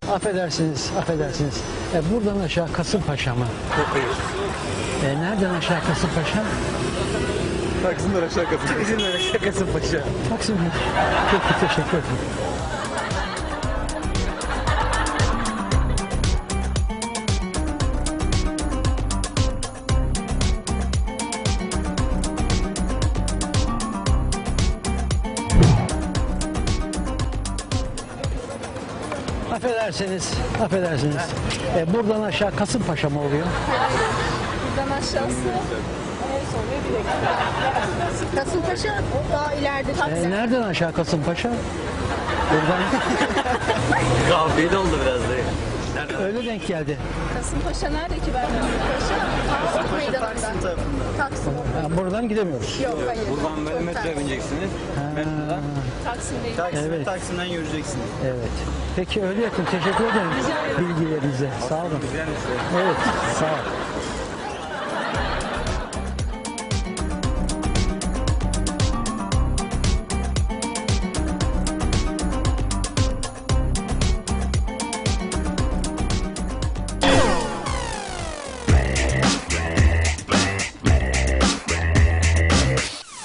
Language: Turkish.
Affedersiniz, affedersiniz. Buradan aşağı Kasımpaşa mı? Nereden aşağı Kasımpaşa? Taksim'den aşağı Kasımpaşa. Taksim'den aşağı Kasımpaşa. Taksim. Peki, teşekkür ederim. Affedersiniz, affedersiniz. Buradan aşağı Kasımpaşa mı oluyor? Buradan aşağısı soruyor bir dakika. Kasımpaşa daha ileride Taksim. Nereden aşağı Kasımpaşa? Buradan Kahveyi de oldu biraz da. öyle denk geldi. Kasımpaşa nerede ki ben Kasımpaşa? Taksim meydanında. Taksim. Buradan gidemiyoruz. Yok hayır. Buradan böyle metroya bineceksiniz. Metrodan Taksim'deyim. Evet. Taksim'den yürüyeceksiniz. Evet. Peki öyle yakın. Teşekkür ederim bilgilerinize. Sağ olun. Evet, sağ olun.